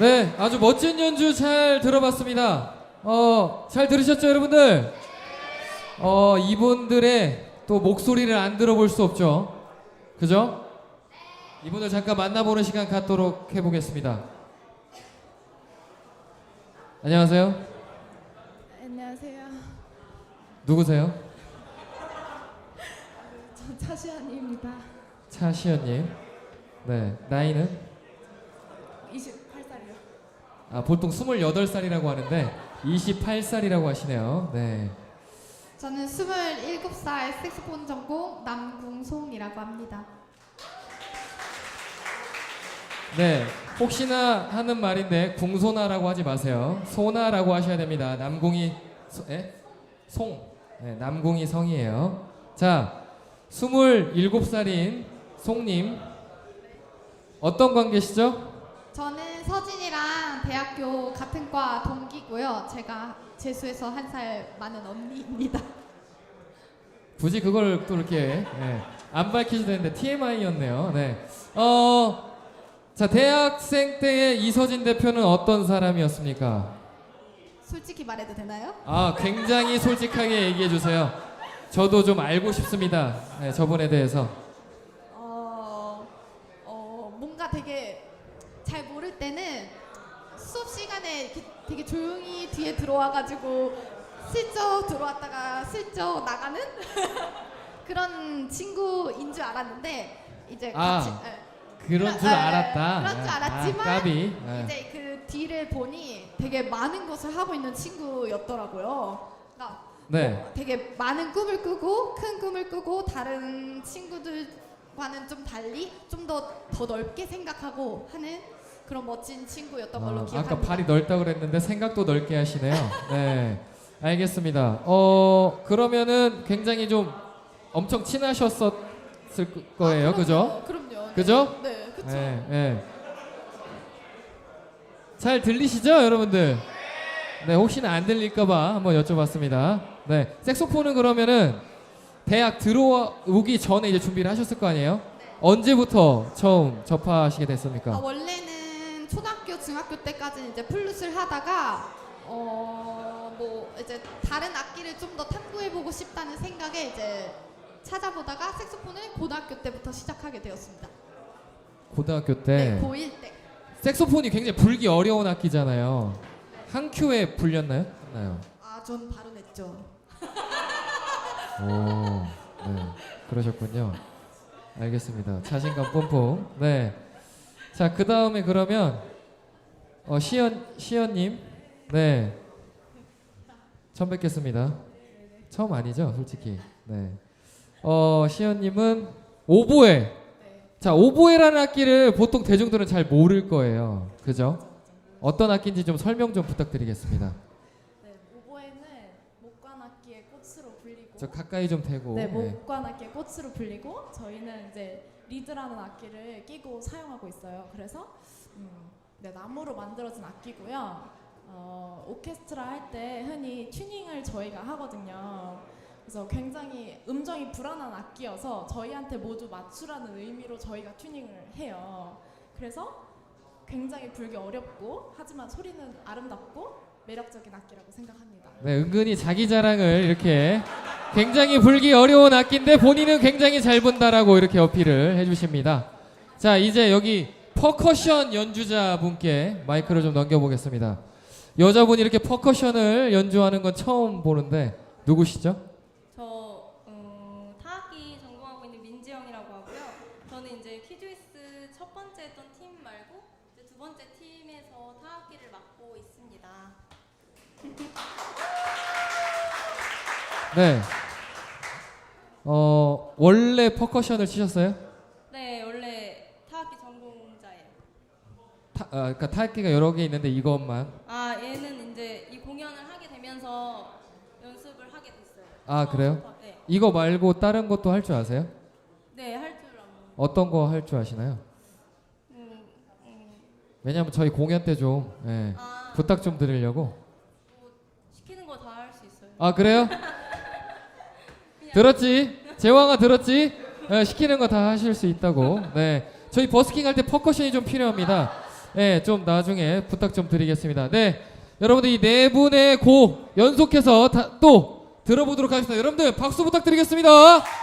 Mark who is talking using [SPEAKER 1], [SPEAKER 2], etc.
[SPEAKER 1] 네, 아주 멋진 연주 잘 들어봤습니다. 잘 들으셨죠, 여러분들? 이분들의 또 목소리를 안 들어볼 수 없죠. 그죠? 이분들 잠깐 만나보는 시간 갖도록 해보겠습니다. 안녕하세요.
[SPEAKER 2] 안녕하세요.
[SPEAKER 1] 누구세요?
[SPEAKER 2] 전 차시안입니다.
[SPEAKER 1] 차시연님. 네, 나이는?
[SPEAKER 2] 28살이요.
[SPEAKER 1] 보통 28살이라고 하는데 28살이라고 하시네요. 네.
[SPEAKER 2] 저는 27살 색소폰 전공 남궁송이라고 합니다.
[SPEAKER 1] 네, 혹시나 하는 말인데 궁소나라고 하지 마세요. 소나라고 하셔야 됩니다. 남궁이 송. 네, 남궁이 성이에요. 자, 27살인 송님 어떤 관계시죠?
[SPEAKER 2] 저는 서진이랑 대학교 같은 과 동기고요. 제가 재수해서 한 살 많은 언니입니다.
[SPEAKER 1] 굳이 그걸 또 이렇게 안 밝히셔도 되는데 TMI였네요. 네. 자, 대학생 때의 이서진 대표는 어떤 사람이었습니까?
[SPEAKER 2] 솔직히 말해도 되나요?
[SPEAKER 1] 굉장히 솔직하게 얘기해 주세요. 저도 좀 알고 싶습니다. 네, 저분에 대해서.
[SPEAKER 2] 뭔가 되게 잘 모를 때는 수업 시간에 이렇게 되게 조용히 뒤에 들어와가지고 슬쩍 들어왔다가 슬쩍 나가는 그런 친구인 줄 알았는데 이제 같이
[SPEAKER 1] 그런 줄 알았다.
[SPEAKER 2] 그런 줄 알았지만
[SPEAKER 1] 까비.
[SPEAKER 2] 이제 그 뒤를 보니 되게 많은 것을 하고 있는 친구였더라고요. 그러니까
[SPEAKER 1] 네.
[SPEAKER 2] 되게 많은 꿈을 꾸고 큰 꿈을 꾸고 다른 친구들과는 좀 달리 좀 더 넓게 생각하고 하는 그런 멋진 친구였던 걸로 기억합니다.
[SPEAKER 1] 아까 발이 넓다고 그랬는데 생각도 넓게 하시네요. 네. 알겠습니다. 그러면은 굉장히 좀 엄청 친하셨었을 거예요. 그죠?
[SPEAKER 2] 그럼요.
[SPEAKER 1] 그죠?
[SPEAKER 2] 네, 그쵸.
[SPEAKER 1] 네, 네. 잘 들리시죠, 여러분들? 네, 혹시나 안 들릴까봐 한번 여쭤봤습니다. 네, 색소폰은 그러면은 대학 들어오기 전에 이제 준비를 하셨을 거 아니에요?
[SPEAKER 2] 네.
[SPEAKER 1] 언제부터 처음 접하시게 됐습니까?
[SPEAKER 2] 원래는 초등학교, 중학교 때까지는 이제 플룻을 하다가 뭐 이제 다른 악기를 좀 더 탐구해보고 싶다는 생각에 이제 찾아보다가 색소폰을 고등학교 때부터 시작하게 되었습니다.
[SPEAKER 1] 고등학교 때.
[SPEAKER 2] 네, 고1 때.
[SPEAKER 1] 색소폰이 굉장히 불기 어려운 악기잖아요. 한 큐에 불렸나요? 나요.
[SPEAKER 2] 전 바로 냈죠.
[SPEAKER 1] 오, 네, 그러셨군요. 알겠습니다. 자신감 뿜뿜. 네. 자, 그 다음에 그러면 시연님, 네, 처음 뵙겠습니다. 처음 아니죠, 솔직히. 네. 시연님은 오보에. 자, 오보에라는 악기를 보통 대중들은 잘 모를 거예요. 그죠? 어떤 악기인지 좀 설명 좀 부탁드리겠습니다.
[SPEAKER 3] 네, 오보에는 목관악기의 꽃으로 불리고
[SPEAKER 1] 저 가까이 좀 대고.
[SPEAKER 3] 네, 목관악기의 꽃으로 불리고 저희는 이제 리드라는 악기를 끼고 사용하고 있어요. 그래서 네, 나무로 만들어진 악기고요. 오케스트라 할 때 흔히 튜닝을 저희가 하거든요. 그래서 굉장히 음정이 불안한 악기여서 저희한테 모두 맞추라는 의미로 저희가 튜닝을 해요. 그래서 굉장히 불기 어렵고 하지만 소리는 아름답고 매력적인 악기라고 생각합니다.
[SPEAKER 1] 네, 은근히 자기 자랑을 이렇게 굉장히 불기 어려운 악기인데 본인은 굉장히 잘 분다라고 이렇게 어필을 해주십니다. 자, 이제 여기 퍼커션 연주자분께 마이크를 좀 넘겨보겠습니다. 여자분이 이렇게 퍼커션을 연주하는 건 처음 보는데 누구시죠?
[SPEAKER 4] 저 타악기 전공하고 있는 민지영이라고 하고요. 저는 이제 키즈위스 첫 번째 했던 팀 말고 이제 두 번째 팀에서 타악기를 맡고 있습니다.
[SPEAKER 1] 네. 원래 퍼커션을 치셨어요?
[SPEAKER 4] 네, 원래 타악기 전공자예요.
[SPEAKER 1] 그러니까 타악기가 여러 개 있는데 이것만.
[SPEAKER 4] 얘는 이제 이 공연을 하게 되면서 연습을 하게 됐어요.
[SPEAKER 1] 그래요?
[SPEAKER 4] 네.
[SPEAKER 1] 이거 말고 다른 것도 할 줄 아세요?
[SPEAKER 4] 네, 할 줄 알아요.
[SPEAKER 1] 어떤 거 할 줄 아시나요? 왜냐면 저희 공연 때 좀 부탁 좀 드리려고.
[SPEAKER 4] 시키는 거 다 할 수 있어요.
[SPEAKER 1] 그래요? 들었지? 재왕아 들었지? 시키는 거 다 하실 수 있다고. 네, 저희 버스킹 할 때 퍼커션이 좀 필요합니다. 네, 좀 나중에 부탁 좀 드리겠습니다. 네, 여러분들 이 네 분의 곡 연속해서 또 들어보도록 하겠습니다. 여러분들 박수 부탁드리겠습니다.